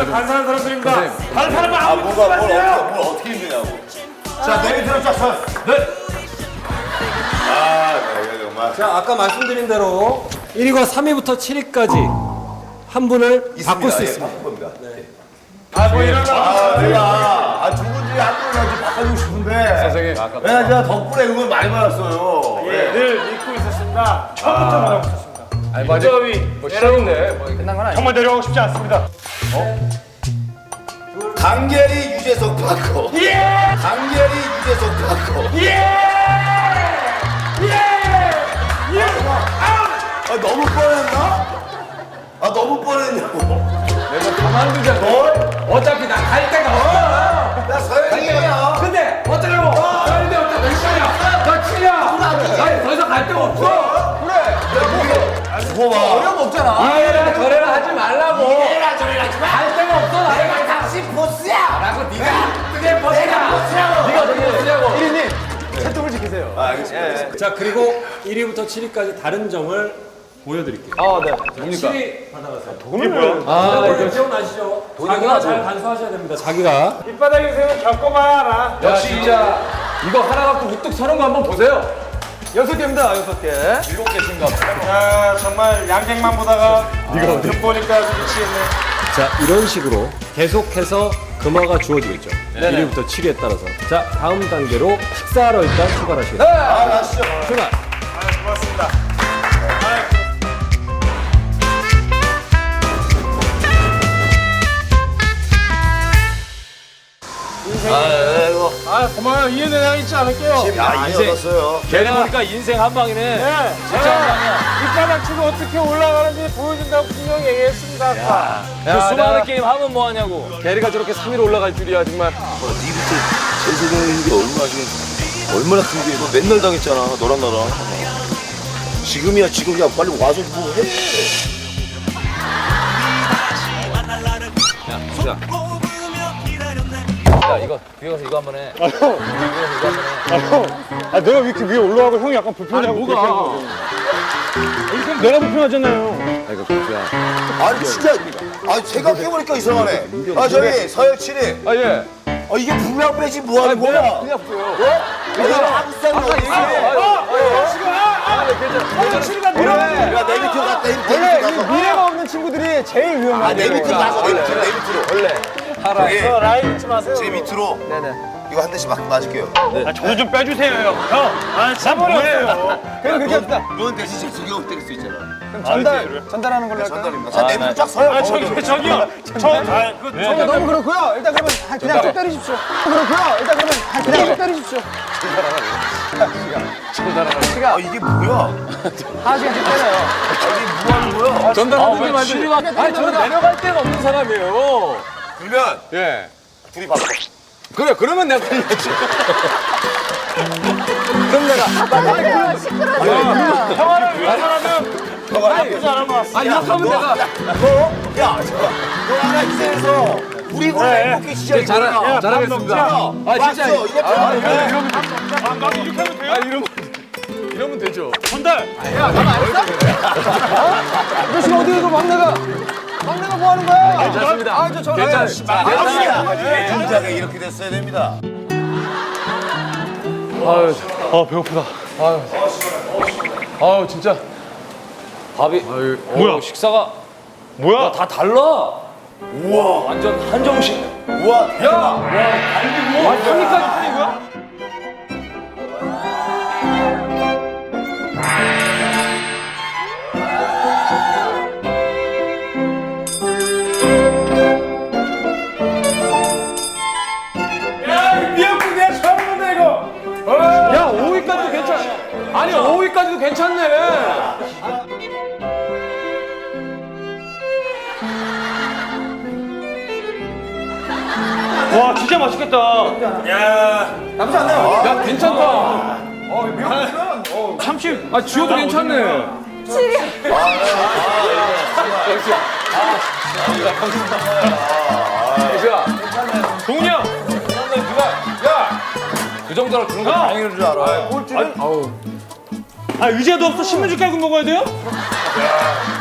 간사한 사람들입니다. 다른 사람은 아, 아무것도 뭘 하세요. 어떻게 힘드냐고. 자, 내 밑으로 쫙 서. 네. 아, 네, 정말. 자, 아까 말씀드린 대로 1위가 3위부터 7위까지 한 분을 바꿀 수 있습니다. 겁니다. 뭐 이러려고. 내가 두 분 중에 한 분을 좀 바꿔주고 싶은데. 선생님. 내가 제가 덕분에 응원 많이 받았어요. 늘 믿고 있었습니다. 처음부터 말하고 있었습니다. 아니, 맞아. 뭐 시작인데 뭐 끝난 건 아니야. 정말 내려가고 싶지 않습니다. 강계리 유재석 바꿔. 예! 강계리 유재석 바꿔. 예! 아, 너무 뻔했나? 아, 너무 뻔했냐고. 내가 가만두자. 어차피 나 갈 데가 없어. 나 서영이야. 근데 어쩌려고? 근데 어쩌 몇 시간이야? 나 7이야. 아니 더 이상 갈 데가 없어. 두고 봐. 어려움 없잖아. 이래라 저래라 하지 말라고. 이래라 저래라 하지 마. 갈 데가 없어. 내가 당신 보스야. 라고 네가 그게 보스야. 네가 그게 보스냐고. 1위님 채통을 지키세요. 아, 알겠습니다. 자 그리고 1위부터 7위까지 다른 점을 보여드릴게요. 아, 네. 뭡니까? 7위 받아가세요. 돈이 뭐야? 아, 기억나시죠? 자기가 잘 간수하셔야 됩니다. 자기가. 밑바닥에 세우면 겪어봐야 알아. 역시 진짜 이거 하나 갖고 우뚝 서는 거 한번 보세요. 6개입니다. 6개. 7개신가 봐. 야, 정말 양갱만 보다가 득 보니까 미치겠네. 자 이런 식으로 계속해서 금화가 주어지겠죠. 1위부터 7위에 따라서. 자 다음 단계로 식사하러 일단 출발하시겠습니다. 아, 가시죠. 출발. 고맙습니다. 아, 고마워요. 이해는 있지 않을게요. 야, 이제 얻었어요. 걔네 보니까 인생 한 방이네. 네. 진짜 한 방이야. 밑바닥 치고 어떻게 올라가는지 보여준다고 분명히 얘기했습니다. 아까. 그 수많은 게임 하면 뭐 하냐고. 게리가 저렇게 3위로 올라갈 줄이야 정말. 니부터 재세경인 게 얼마나 큰 게, 너 맨날 당했잖아, 너랑 나랑. 지금이야, 지금이야. 빨리 와서 뭐 해. 야, 야 이거 뒤에 가서 이거 한번 해. 뒤에 가서 이거 한번 해. 아, 내가 왜 이렇게 위에 올라가고 형이 약간 불편하고. 아니, 뭐가? 그럼 내가 불편하잖아요. 아이고 그야. 아니, 진짜. 아, 생각해보니까 이상하네. 아, 저기, 서열치리. 아 예. 아, 이게 불량 빼지 뭐 하는 거야? 그냥 보여. 이거 아무싸는 거 치리가 밀어가지고. 야, 내 밑으로 갔다, 내 밑으로 가서. 미래가 없는 친구들이 제일 위험해. 아, 내 밑으로 가서, 내 밑으로, 내 밑으로. 원래. 저기, 저 라인 잊지 마세요. 제 밑으로. 네네. 이거 한 대씩 맞을게요. 아, 저도 좀 빼주세요, 형. 형, 아, 진짜 뭐예요? 그럼 그렇게 합시다. 넌 대신 지금 두개 때릴 수 있잖아. 전달하는 걸로 할까요? 전달입니다. 자, 내 밑으로 쫙 서요. 아, 저기요. 그거 너무 그렇고요. 일단 그러면 그냥 쭉 때리십시오. 그렇고요. 일단 그러면 그냥 쭉 때리십시오. 아, 이게 뭐야? 하나씩씩 때려요. 이게 뭐 하는 거야? 전달하는 게 맞으니까. 아니 저는 내려갈 데가 없는 사람이에요. 그러면 예. 둘이 바꿔. 그래 그러면 내가 걸렸지. 그럼 내가. 평화를 위해서라면 나쁘지 않은 것 같습니다. 아 이렇게 하면 내가. 너, 야, 잠깐. 너 하나 희생해서 우리 이거 행복해 시작이 잘하겠습니다. 아 진짜. 맞죠? 이거 이러면 아, 나도 이렇게 하면 돼요? 이러면 되죠. 전달. 너 지금 어디 가서 막내가 뭐 하는 거야? 괜찮습니다. 아, 저 괜찮습니다. 아니야. 진작에 이렇게 됐어야 됩니다. 아유, 배고프다. 아유 진짜. 밥이. 아유, 뭐야? 식사가 뭐야? 다 달라. 우와, 완전 한정식. 우와, 야, 와, 갈비 와, 3위까지 뿐이고요? 야, 이 미역국 내가 처음 본다, 이거. 야, 5위까지도 괜찮. 아니, 5위까지도 괜찮네. 와, 진짜 맛있겠다. 야, 야, 괜찮다. 참치. 아, 지효도 괜찮네. 야, 동훈이 형. 누가, 야, 그 정도로 주는 거 다행인 줄 알아. 아, 의자도 없어? 신문지 깔고 먹어야 돼요?